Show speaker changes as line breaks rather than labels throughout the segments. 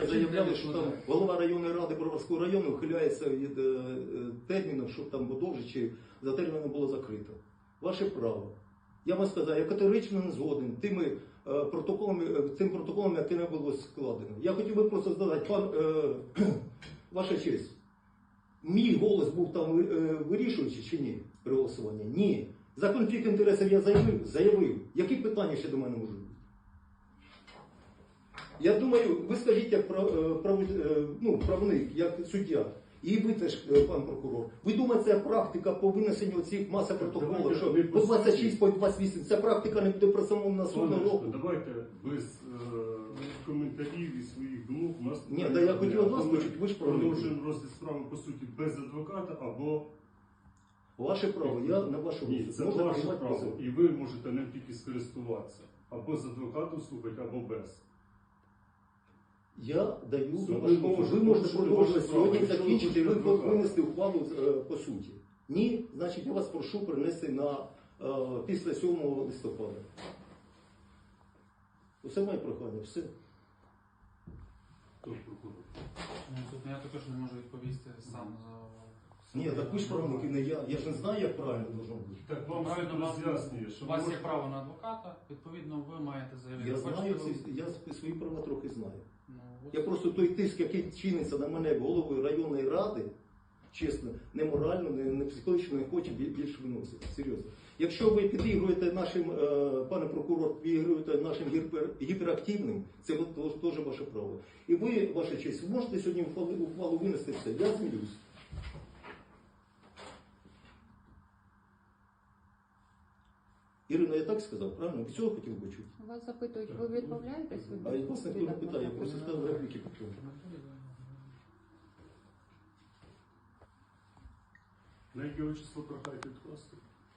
заявляли, що там голова районної ради Броварського району ухиляється від терміну, щоб там довше чи за терміном було закрито. Ваше право. Я вам сказав, я категорично не згоден цим протоколом, який не було складено. Я хотів би просто задати, ваша честь, мій голос був там вирішуючий чи ні при голосуванні? Ні. За конфлікт інтересів я заявив. Які питання ще до мене можуть бути? Я думаю, ви скажіть, як правник, як суддя, і ви теж, пан прокурор, ви думаєте, ця практика по винесенню цих маси протоколів, що по 26, по 28, ця практика не буде при самому наступному року?
Давайте без коментарів і своїх думок у нас...
Ні, я хотів від вас почути, ви ж правник.
Продовжуємо розгляд справи, по суті, без адвоката або...
Ваше право, я на вашу
Ні, це ваше право, і ви можете ним тільки скористуватися. Або з адвокатом слухати, або без.
Я даю на вашу право. Ви можете продовжувати сьогодні закінчити, ви винести ухвалу по суті. Ні, значить я вас прошу принести після 7 листопада. Усе моє прохання, все.
Хто прокурор?
Я також не можу відповісти сам за...
Ні, так ви ж правник, не я. Я ж не знаю, як правильно должно бути.
Так вам
Правильно,
роз'яснює, що
у вас є право на адвоката, відповідно, ви маєте заявити.
Я знаю,
Хочете,
я свої права трохи знаю.
ну,
Я просто той тиск, який чиниться на мене головою районної ради, чесно, не морально, не психологічно не хоче більше виносити. Серйозно. Якщо ви підігруєте нашим, пане прокурор, підігруєте нашим гіперактивним, це теж ваше право. І ви, ваша честь, ви можете сьогодні ухвалу винести все. Я змілюсь. Ірина, я так сказав, правильно? Ви цього хотів би чути?
Вас запитують, ви відмовляєтесь від
А вас ніхто не питає, я просто ставив репліки по тому.
На яке число прохаєте відкласти?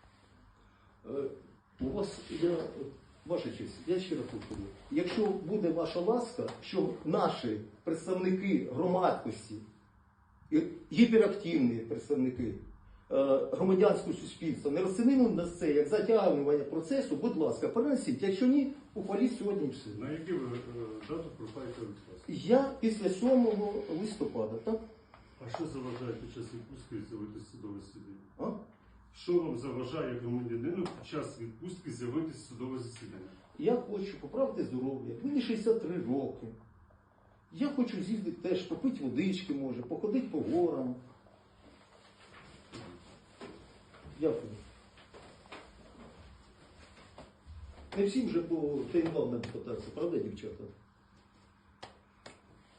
У вас, ваша честь, я ще раз повторю. Якщо буде ваша ласка, щоб наші представники громадськості, гіперактивні представники громадянського суспільства не розцінили на це як затягування процесу, будь ласка, перенесіть. Якщо ні, ухваліть сьогодні все.
На яку ви дату прохаєте відкласти?
Я після 7 листопада, так?
А що заважає під час відпустки з'явитися в судове засідання?
А?
Що вам заважає громадянину під час відпустки з'явитися в судове засідання?
Я хочу поправити здоров'я. Мені 63 роки. Я хочу з'їздити теж, попити водички, може, походити по горам. Дякую. Не всім же по ТНВ на депутації, правда, дівчата?